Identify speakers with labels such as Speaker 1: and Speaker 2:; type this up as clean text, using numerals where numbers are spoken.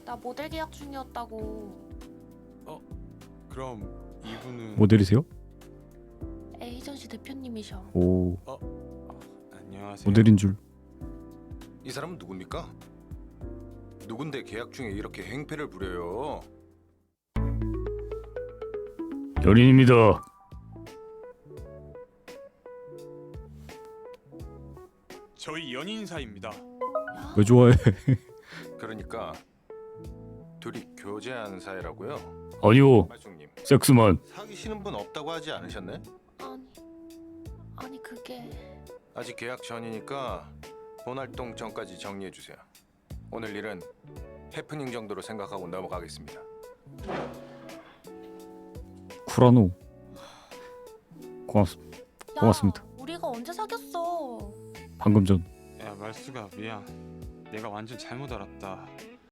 Speaker 1: 나 모델 계약 중이었다고.
Speaker 2: 그럼 이분은
Speaker 3: 모델이세요?
Speaker 1: 에이전시 대표님이셔.
Speaker 3: 오,
Speaker 2: 안녕하세요.
Speaker 3: 모델인 줄.
Speaker 4: 이 사람은 누굽니까? 누군데 계약 중에 이렇게 행패를 부려요?
Speaker 3: 연인입니다.
Speaker 2: 저희 연인 사이입니다.
Speaker 1: 야,
Speaker 3: 왜 좋아해?
Speaker 4: 그러니까 둘이 교제한 사이라고요?
Speaker 3: 아니요,
Speaker 4: 말숙님
Speaker 3: 섹스만.
Speaker 4: 사귀시는 분 없다고 하지 않으셨네?
Speaker 1: 아니 그게
Speaker 4: 아직 계약 전이니까 본활동 전까지 정리해 주세요. 오늘 일은 해프닝 정도로 생각하고 넘어가겠습니다.
Speaker 3: 쿠라노.
Speaker 1: 야,
Speaker 3: 고맙습니다.
Speaker 1: 우리가 언제 사귀었어?
Speaker 3: 방금 전.
Speaker 2: 야 말수가 미안. 내가 완전 잘못 알았다.